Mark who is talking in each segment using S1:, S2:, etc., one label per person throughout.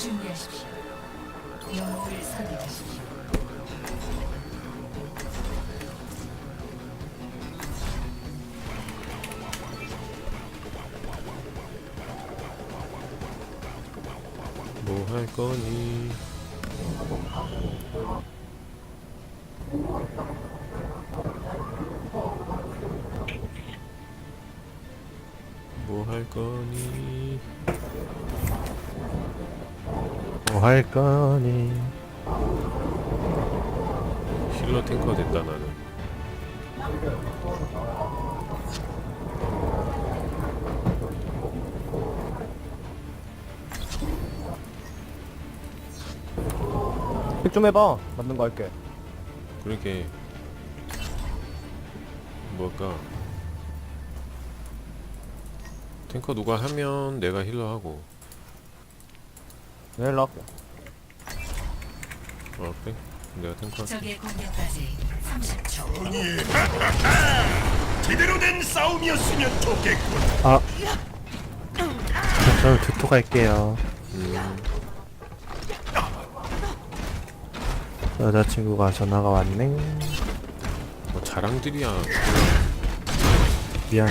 S1: 준비하십시오. 영웅을 선택하십시오.
S2: 뭐 할 거니? 뭐 할 거니?
S3: 뭐 할 거니?
S2: 힐러 탱커 됐다 나는.
S4: 픽 좀 해봐. 맞는 거 할게.
S2: 그렇게 뭐랄까 탱커 누가 하면 내가 힐러 하고.
S4: 내일 나갈게.
S2: 그래? 내가 탱커 할게.
S1: 적의 공격까지 30초.
S5: 제대로 된 싸움이었으면 좋겠군.
S3: 아, 저는 두토 갈게요. 여자친구가 전화가 왔네.
S2: 뭐 자랑들이야.
S3: 미안.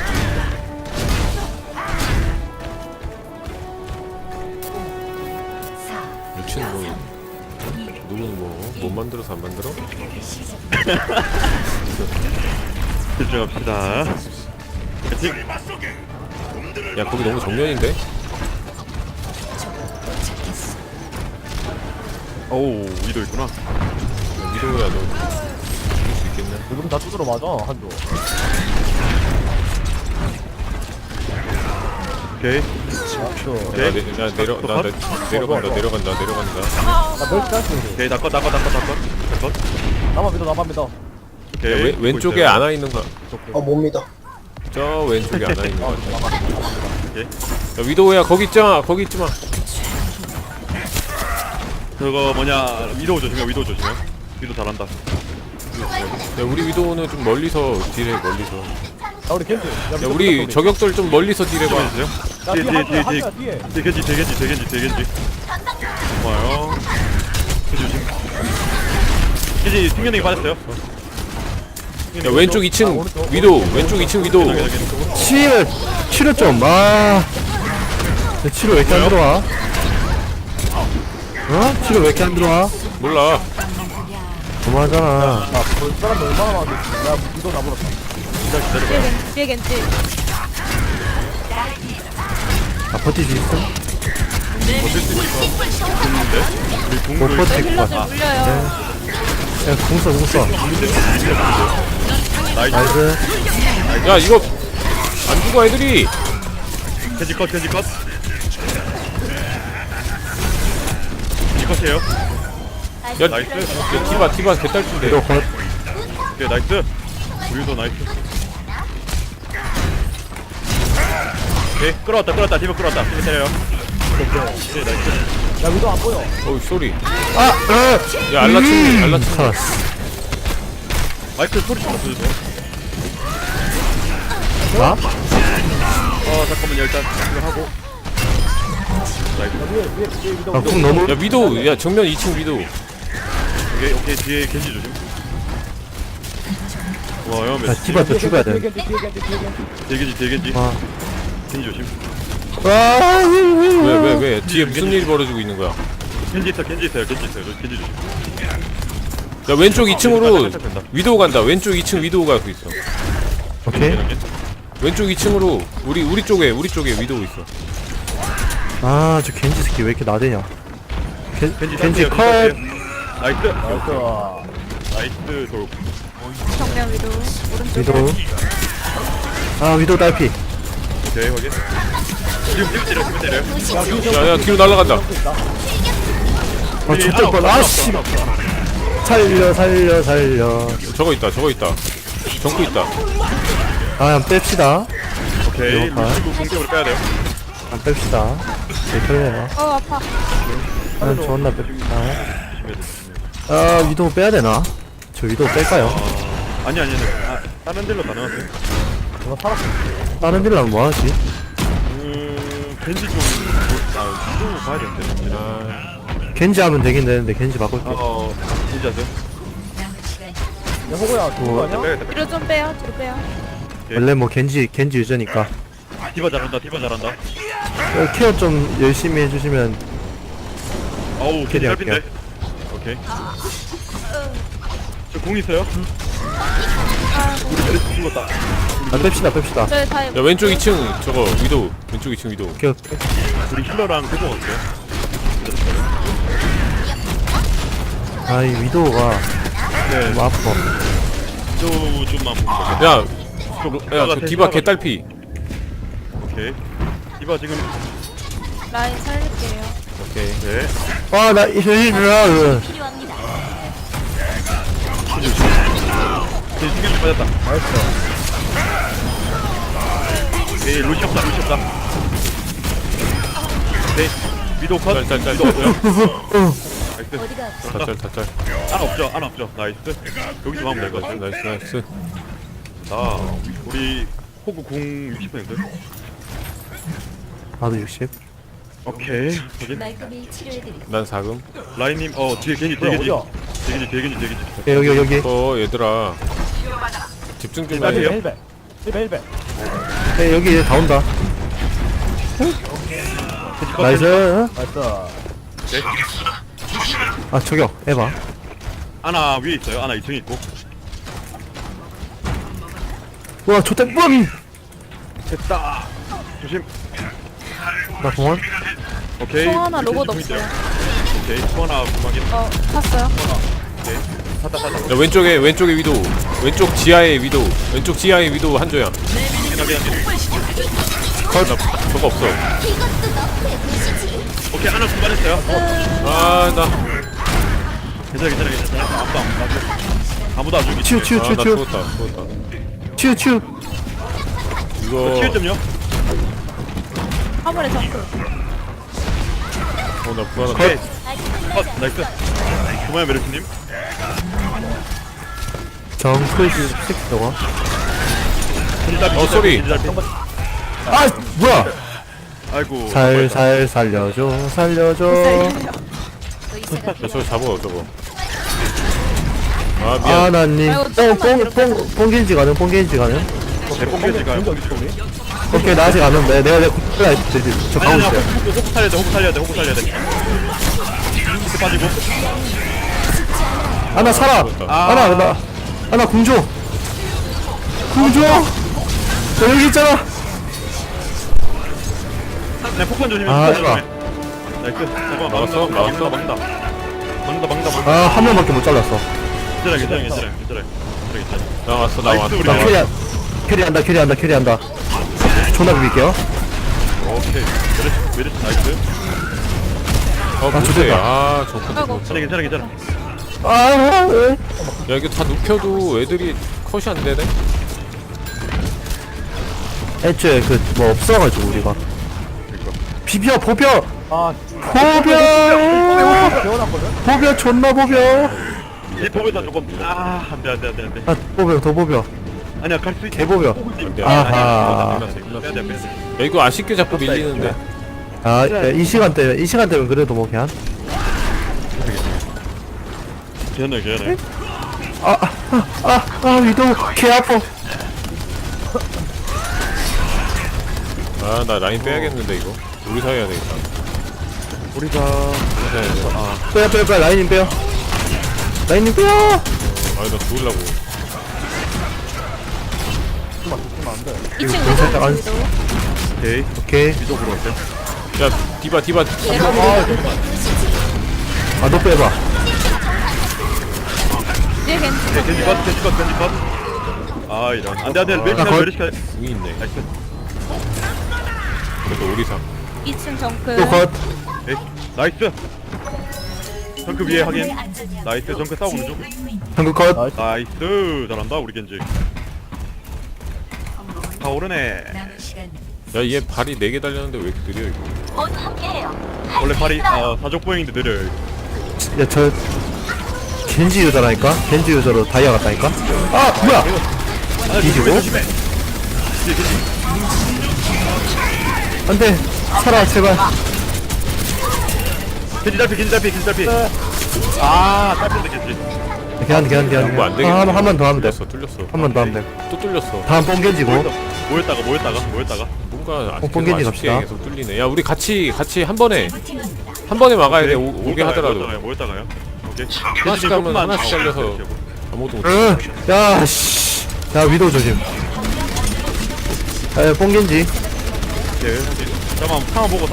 S2: 유친 뭐 누군 못 만들어서 안 만들어?
S6: 집중합시다.
S5: 설마 속에 놈들을
S2: 야 거기 너무 정면인데?
S6: 오우, 위도 있구나.
S2: 야, 미도야 너 죽일 수 있겠냐?
S4: 지금 다 두드러 맞아. 한조.
S6: 오케이.
S2: 내려간다.
S4: 나 멸치 짤수.
S6: 오케이, 나꺼.
S4: 나만 믿어, 나만 믿어.
S6: 오케이.
S2: 야, 왼쪽에 안와 있는 거.
S7: 못 믿어.
S2: 저 왼쪽에 안와 있는 거.
S6: 오케이.
S2: 야 위도우야 거기 있잖아. 거기 있지 마.
S6: 저거 뭐냐, 위도 조심해. 위도 잘한다.
S2: 야 우리 위도우는 좀 멀리서 딜해 멀리서.
S4: 야, 우리 겐지.
S2: 야 우리 저격들 좀 멀리서 딜해봐.
S6: 해주세요.
S4: 야, 뒤에 한조야, 뒤에.
S6: 대겐지. 고마워요. 겐지 튕겨내기 빠졌어요.
S2: 야 왼쪽 2층 위도우. 왼쪽 2층 위도우.
S3: 치료 좀. 아, 내 치료 왜 이렇게 안 들어와? 어? 치료 왜 이렇게 안 들어와?
S2: 몰라.
S3: 너무하잖아.
S4: 야, 볼 사람도 얼마나 많은데. 야, 믿어 나버렸다.
S8: 뒤에 겐지.
S3: 아, 버틸 수 있어?
S6: 버틸 수 있을 것 같은데? 우리
S3: 못
S6: 궁을
S3: 버틸 것
S8: 힐러
S3: 같아.
S8: 좀 물려요.
S3: 야, 궁 써. 나이스.
S2: 야 이거 안 죽어 애들이.
S6: 겐지 컷. 겐지 컷이에요.
S2: 야
S6: 나이스.
S2: 디바 개딸친데.
S3: 이거 컷.
S6: 오케이, 나이스. 우리도 나이스. 오케이, 끌어왔다. 팀을 끌어왔다. 팀을 때려요. 오케이, 나이스.
S4: 야, 믿어 안 보여.
S2: 어우 쏘리.
S3: 아,
S2: 야 알라친구.
S3: 살았어.
S6: 마이크 소리 좀 맞춰주세요.
S3: 나?
S6: 잠깐만요. 일단 이거 하고. 나이스.
S4: 뒤에 믿어.
S3: 아, 궁 너무.
S2: 야 위도우. 야 정면 2층 위도우.
S6: 오케이, 뒤에 겐지 조심. 고마워요.
S3: 야, 디바 또 죽어야 돼.
S4: 뒤에 겐지.
S6: 뒤에 겐지.
S3: 아,
S6: 겐지 조심.
S2: 왜 뒤에 무슨 일이 벌어지고 있는 거야?
S6: 겐지 있어요. 겐지 조심.
S2: 야 왼쪽 2층으로
S6: 살짝 된다.
S2: 위도우 간다. 왼쪽 2층 위도우 가고 있어.
S3: 오케이.
S2: 왼쪽 2층으로 우리 쪽에 위도우 있어.
S3: 아, 저 겐지 새끼 왜 이렇게 나대냐? 겐지
S6: 겐지
S3: 컷.
S6: 나이스. 돌.
S8: 정면 위로. 오른쪽에.
S3: 위도. 아, 위도 딸피.
S6: 오케이, 확인. 지금 때려요.
S2: 야야 뒤로 날아간다.
S3: 아, 죽을 뻔. 아, 씨. 살려.
S2: 저거 있다. 정크 있다.
S3: 아, 한번 뺍시다.
S6: 오케이,
S3: 이거 봐.
S6: 루시고 공격으로 빼야 돼요.
S3: 안 뺍시다. 제 털려요.
S8: 아파.
S3: 난 존나 뺍시다.
S6: 조심해야 돼.
S3: 아, 위도 빼야 되나? 저 위도 뺄까요?
S6: 아니. 다른 딜로 가능하세요?
S4: 내가 살았어.
S3: 다른 딜라면 뭐 하지?
S6: 겐지 좀, 위도 봐야 되는데.
S2: 아
S3: 겐지 하면 되긴 되는데 겐지 바꿀게.
S6: 진짜 하세요.
S1: 남은 시간
S4: 야 호구야 죽은 거 아니야?
S6: 빼야겠다.
S8: 뒤로 좀 빼요. 뒤로 빼요.
S3: 원래 뭐 겐지 유저니까.
S6: 디바 잘한다. 디바 잘한다.
S3: 케어 좀 열심히 해주시면.
S6: 어우 겐지
S3: 할게요.
S6: 짧은데. 오케이. 저 공 있어요? 우리 메르시 죽었다.
S3: 아 뺍시다.
S8: 저희 다
S2: 야 왼쪽 2층 저거 위도 왼쪽 2층 위도
S3: 오케이.
S6: 우리 힐러랑 그거 어때요?
S3: 아이 위도우가
S6: 네.
S3: 너무 아파.
S6: 또 좀만 볼게요.
S2: 야저 디바 개딸피
S6: 오케이. 디바 지금
S8: 라인 살릴게요.
S2: 오케이
S6: 네.
S3: 아나 이현이야.
S6: 겐지 빠졌다. 네, 루시 없다. 네, 위도 컷.
S2: 짤짤짤
S6: 위도 없어요. 나이스.
S2: 짤짤짤
S6: 안 없죠. 나이스. 여기 좀 하면 될 것 같아.
S2: 나이스
S6: 자, 우리 호구 공 60%.
S3: 나도 60.
S6: 오케이. 저기
S1: 말끔히 치료해드리겠습니다.
S2: 난 4금
S6: 라인님, 뒤에 겐지.
S4: 어디야?
S3: 여기.
S2: 얘들아 집중 좀
S6: 빨리
S2: 해.
S6: 해요.
S4: 1배
S3: 여기 다 온다. 나이스.
S4: 나이스.
S6: 네.
S3: 아 저격 에바.
S6: 아나 위에 있어요. 아나 2층에 있고.
S3: 와 좋다 뻥.
S6: 됐다. 조심.
S3: 나 공원.
S6: 오케이.
S8: 총 하나
S6: 우리
S8: 로봇
S6: 겐지 공
S8: 없어요.
S6: 있어요. 오케이. 총 하나 구멍이.
S8: 탔어요.
S6: 오케이. 탔다.
S2: 야 왼쪽에 위도 왼쪽 지하에 위도 한조야 저거 없어
S6: 오케이. 하나 구간했어요.
S2: 아나
S6: 괜찮아. 아무도 안 죽이지.
S3: 치우.
S2: 죽었다
S3: 치우.
S2: 이거
S6: 치유점요?
S8: 화물에 정크.
S2: 나 불안하다
S6: 오케이. 나이스. 그만해 메르스님.
S3: 정크 식 저거.
S2: 쏘리.
S3: 아 뭐야?
S6: 아이고.
S3: 살살 살려줘.
S2: 저거 잡아 저거 아 미안
S3: 아나님.
S8: 아이고, 조금만
S3: 뽕겐지 가능.
S6: 대뽕개지가.
S3: 오케이 나 아직 안 온다. 내가 저 가고 있어요.
S6: 호구 살려야 돼. 이렇게 빠지고.
S3: 아나 살아. 아나 궁조. 저 여기 있잖아.
S6: 네, 폭탄 조심해.
S3: 아,
S6: 폭탄
S3: 좋아.
S6: 조심해. 나이스. 잠깐만.
S2: 막았어.
S6: 막는다.
S3: 아 한 명밖에 못 잘랐어.
S6: 괜찮아.
S2: 나왔어
S6: 나이스, 우리.
S3: 나 캐리한다. 존나 비빌게요.
S6: 오케이. 메르시 나이스.
S2: 뭐지 정크
S8: 아이고.
S6: 괜찮아.
S3: 아,
S2: 야 이게 다 눕혀도 애들이 컷이 안 되네
S3: 애초에 그 뭐 없어가지고 우리가 비벼 보벼
S4: 아
S3: 보벼 존나 보벼.
S6: 이 포에다 조금 안돼.
S3: 아 보벼 더 보벼
S6: 아니야 갈 수 있어.
S3: 개보벼. 아하.
S6: 빼야 돼.
S2: 야 이거 아쉽게 자꾸 밀리는데
S3: 이 시간대면 그래도 뭐 그냥
S6: 괜찮아.
S3: 위도 개 아파.
S2: 아 나 라인 빼야겠는데 이거 우리 사이 해야 되겠다
S6: 우리가
S3: 빼 라인님 빼요.
S2: 아니 나 죽을라고
S8: 2층
S3: 살짝 안-
S8: 위도.
S3: 오케이.
S6: 위쪽으로 갈게.
S2: 야 디바
S3: 너 빼봐.
S8: 뒤에 겐지.
S6: 겐지 컷. 아 이런. 안돼. 메르시.
S2: 궁이 있네
S6: 나이스.
S2: 그래도 우리 사
S8: 2층 정크.
S3: 또 컷.
S6: 에이, 나이스. 정크 위에 확인. 나이스. 정크 싸우는 중.
S3: 한국 컷.
S6: 나이스. 잘한다 우리 겐지. 다 오르네.
S1: 남은 시간
S2: 야얘 발이 4개 달렸는데 왜 이렇게 느려 이거
S6: 원래 발이 사족 보행인데 느려요.
S3: 야저 겐지 유저라니까. 겐지 유저로 다이아 같다니까. 아 뭐야? 뒤지고?
S6: 조심해. 뒤에 겐지.
S3: 안돼. 살아 제발.
S6: 겐지 달피. 아, 딸피인데 겐지.
S3: 걔한
S2: 뭐안 되겠네.
S3: 한 번 더 하면 돼.
S2: 뚫렸어.
S3: 한 번 더 하면 돼.
S2: 또 뚫렸어.
S3: 다음 뽕겐지고.
S6: 모였다가.
S2: 뭔가
S3: 뽕겐지
S2: 아쉽게
S3: 갑시다.
S2: 계속 뚫리네. 야 우리 같이 한 번에 막아야 돼. 오게 하더라도.
S6: 모였다가요. 오케이.
S2: 하나씩 하면 하나씩 잘려서 아무것도 못해.
S3: 응. 야 씨. 야 위도 조심. 에 뽕겐지.
S6: 네, 잠깐만 상황 보고.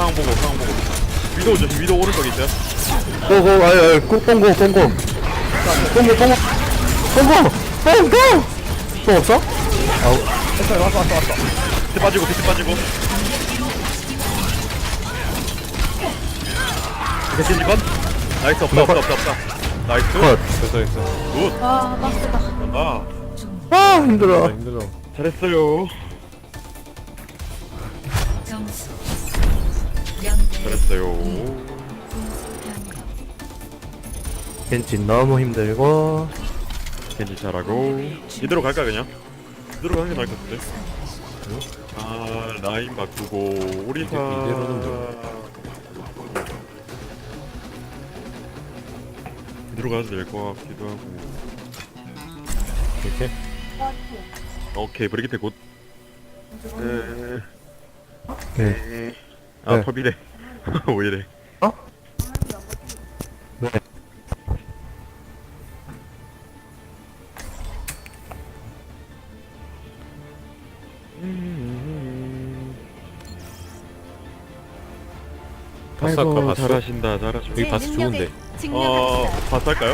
S6: 위도 오른쪽에 있어요.
S3: 고고 아유 뽕고. 뽕 없어?
S4: 왔어.
S6: 비트 빠지고. 이게 겐지 건? 나이스 없다. 나이스.
S3: 컷.
S2: 됐어.
S6: 굿.
S8: 와 빡세다.
S6: 아,
S3: 아 힘들어.
S2: 힘들어.
S6: 잘했어요.
S1: 점수 0대
S6: 잘했어요.
S3: 겐지 너무 힘들고.
S6: 겐지 잘하고. 이대로 갈까 그냥? 이대로 가는 게 나을 것 같은데. 아, 라인 바꾸고 우리 다
S2: 이대로는
S6: 이대로 가도 될 것 같기도 하고.
S2: 이렇게.
S6: 오케이, 브리기테 곧.
S3: 네.
S6: 아,
S3: 네.
S6: 컵이래. 왜 이래?
S3: 어? 네.
S2: 바스 할까, 바스?
S6: 잘하신다.
S2: 여기 바스 좋은데.
S6: 바스 할까요?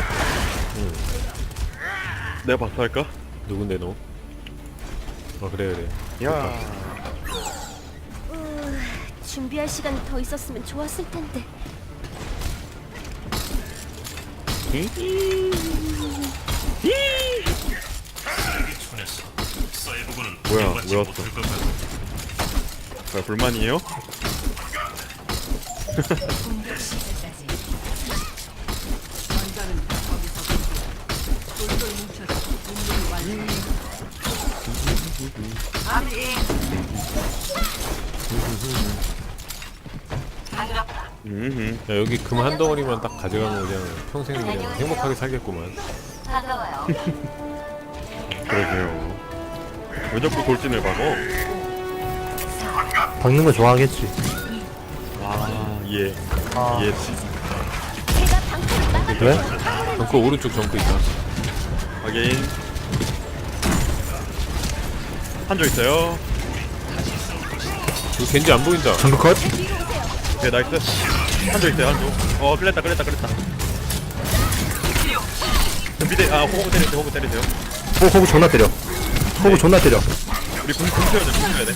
S6: 내가 바스 할까?
S2: 누군데 너? 그래.
S6: 야.
S7: 준비할 시간이 더 있었으면 좋았을 텐데.
S6: 뭐야, 왜 왔어? 뭐야, 불만이에요?
S2: 야 여기 금 한 덩어리만 딱 가져가면 그냥 평생 그냥 행복하게 살겠구만.
S1: 다가와요.
S6: 그러게요. 왜 자꾸 돌진을 박어?
S3: 박는 거 좋아하겠지.
S6: 아, 예.
S4: 아.
S6: 예.
S7: 제가 방패를 막아.
S3: 왜?
S2: 정크 오른쪽 정크 있다.
S6: 확인. 한조 있어요.
S2: 여기 겐지 안 보인다.
S3: 정크 컷?
S6: 네, 나이스. 한조 있어요, 한조. 끌렸다. 미대, 호구 때리세요.
S3: 호구 존나 때려. 호구 존나 때려.
S6: 우리 궁 쳐야 돼.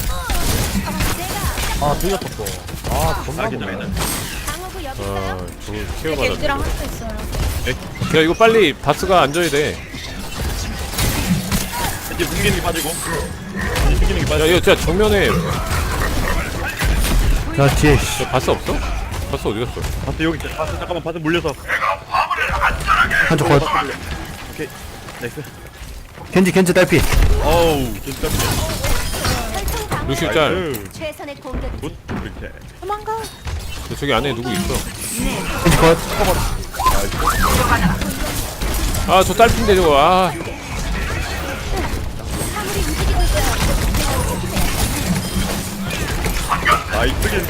S4: 아 들렸었어. 아 존나
S6: 괜찮아.
S4: 보네.
S7: 방어구 여기 있어요.
S2: 저거 케어 받아.
S8: 겐지랑 할 수 있어요.
S2: 야 이거 빨리 바스가 앉아야 돼.
S6: 이제 궁기는 게 빠지고. 이제 튕기는 게
S2: 야
S6: 빠지고.
S2: 이거 진짜 정면에
S3: 야 뒤에 씨.
S2: 야, 바스 없어? 바스 어디 갔어?
S6: 바스 여기 있어. 바스 잠깐만, 바스 물려서.
S3: 한쪽 컷.
S6: 오케이. 나이스.
S3: 겐지 딸피.
S6: 어우, 진짜.
S7: 혈통 방어.
S2: 루시우 짤.
S6: 나이스.
S7: 최선의 공격이지.
S6: 굿. 이렇게.
S8: 도망가.
S2: 야, 저기 안에 누구 있어?
S3: 겐지 컷.
S2: 아 저 딸핀데 저거. 아
S7: 사물이 움직이고 있어요.
S6: 나이스 겐지.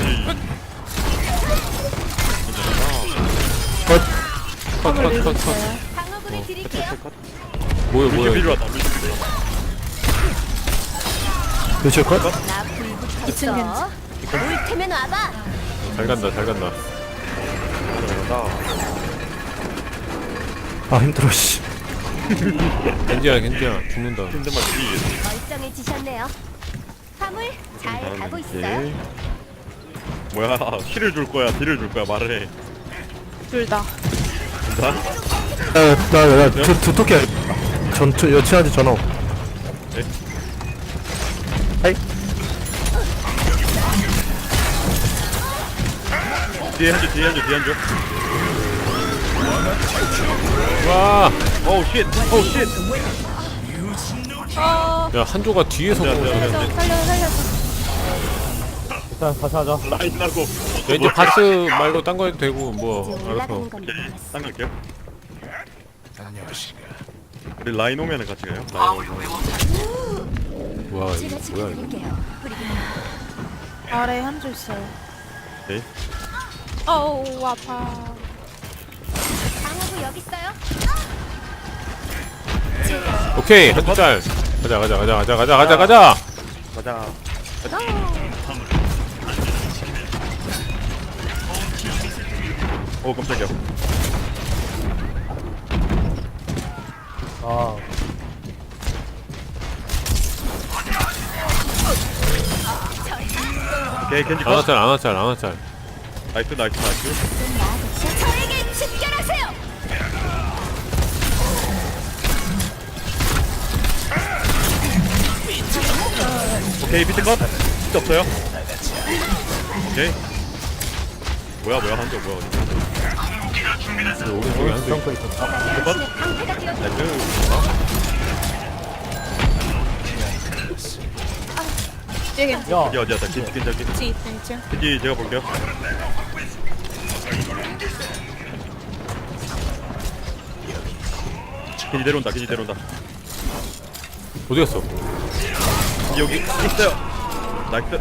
S2: 컷.
S7: 방어구를
S2: 어.
S7: 드릴게요.
S2: 뭐야
S6: 루시
S2: 뭐야.
S6: 필요 왔다. 루시 필요 왔다.
S3: 루시오 컷.
S7: 나 불붙었어. 올 테면 와봐.
S2: 잘 간다.
S3: 아 힘들어 씨.
S2: 겐지야 죽는다.
S6: 힘든 맛 뒤.
S7: 멀쩡해지셨네요. 화물 잘 가고 있어요.
S6: 예. 뭐야, 힐을 줄 거야, 딜을 줄 거야, 말을 해.
S8: 둘 다.
S6: 나?
S3: 나 두토끼 여친한테 전화.
S6: 네?
S3: 하이.
S6: 뒤에 한줄.
S2: 와.
S6: 오우 쉣.
S8: 어.
S2: 야 한조가 뒤에서 보는 소리야.
S8: 살려서.
S4: 자, 다시 하자.
S6: 라인 나고.
S2: 왠지 바스 말고 딴 거 해도 되고 뭐
S7: 이제
S2: 알아서.
S7: 올라가는 건
S6: 오케이.
S7: 몰랐어.
S6: 딴 갈게요. 우리 라인 오면은 같이 가요. 라인 오면.
S2: 와
S7: 제가
S2: 이거 뭐야 이거.
S7: 지켜드릴게요.
S8: 아래 한줄 있어요.
S6: 오케이.
S8: 어우 아파.
S7: 방어구 여기 있어요.
S2: 오케이 한짤 가자.
S6: 가자. 오 깜짝이야.
S4: 아,
S6: 오케이 겐지 컷.
S2: 안와짤
S6: 나이스.
S7: 좀 나아졌죠? 저에게 집결하세요.
S6: 오케이 비트 컷. 비트 없어요. 오케이. 뭐야 한조 뭐야 어디?
S2: 오른쪽에 한쪽
S4: 덩크 있었다.
S6: 비트 컷.
S7: 방패가 뛰어들어.
S6: 나이스.
S8: 뒤에 겐지.
S4: 야,
S6: 겐지 어디야? 겐지.
S8: 2층.
S6: 겐지 제가 볼게요. 겐지 내려온다.
S2: 어디 갔어?
S6: 겐지 여기 있어요. 나이스.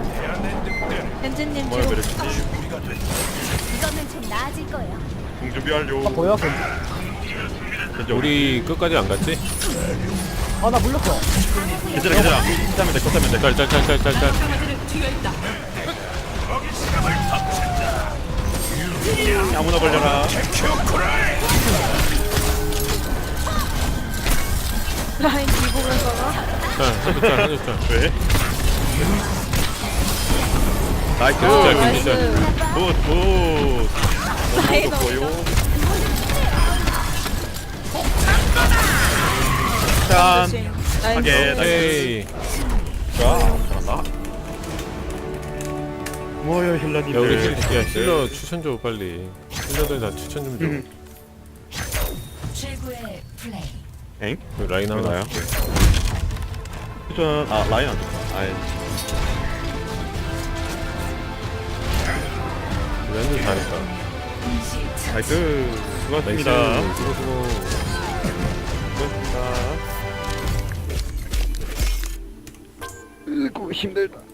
S8: 겐지님
S6: 뭐야
S8: 뒤로.
S6: 메르시.
S7: 이거는 좀 나아질 거예요.
S6: 공 준비 완료.
S4: 보여? 겐지?
S6: 겐지
S2: 우리 끝까지 안 갔지?
S4: 아, 나 물렸어.
S6: 괜찮아. 컷하면 돼.
S2: 짤.
S6: 아무나 걸려라.
S8: 라인 뒤보면서가.
S2: 한쪽 짤.
S6: 왜? 나이스.
S2: 겐지 짤.
S6: 굿.
S8: 라인
S6: 보여. 짠.
S8: 조심.
S6: 하게. 나이스.
S2: 오케이.
S6: 좋아. 잘한다. 뭐야 힐러님.
S2: 야 우리 힐러 추천 줘 빨리. 힐러들 다 추천 좀 줘.
S1: 최고의 플레이.
S6: 엥?
S2: 그 라인 하나.
S6: 나요? 추천. 아 라인 안 좋다. 아이.
S2: 완전 잘했다.
S6: 나이스. 수고하셨습니다.
S2: 나이스. 수고.
S6: 수고하셨습니다. 으이구 힘들다.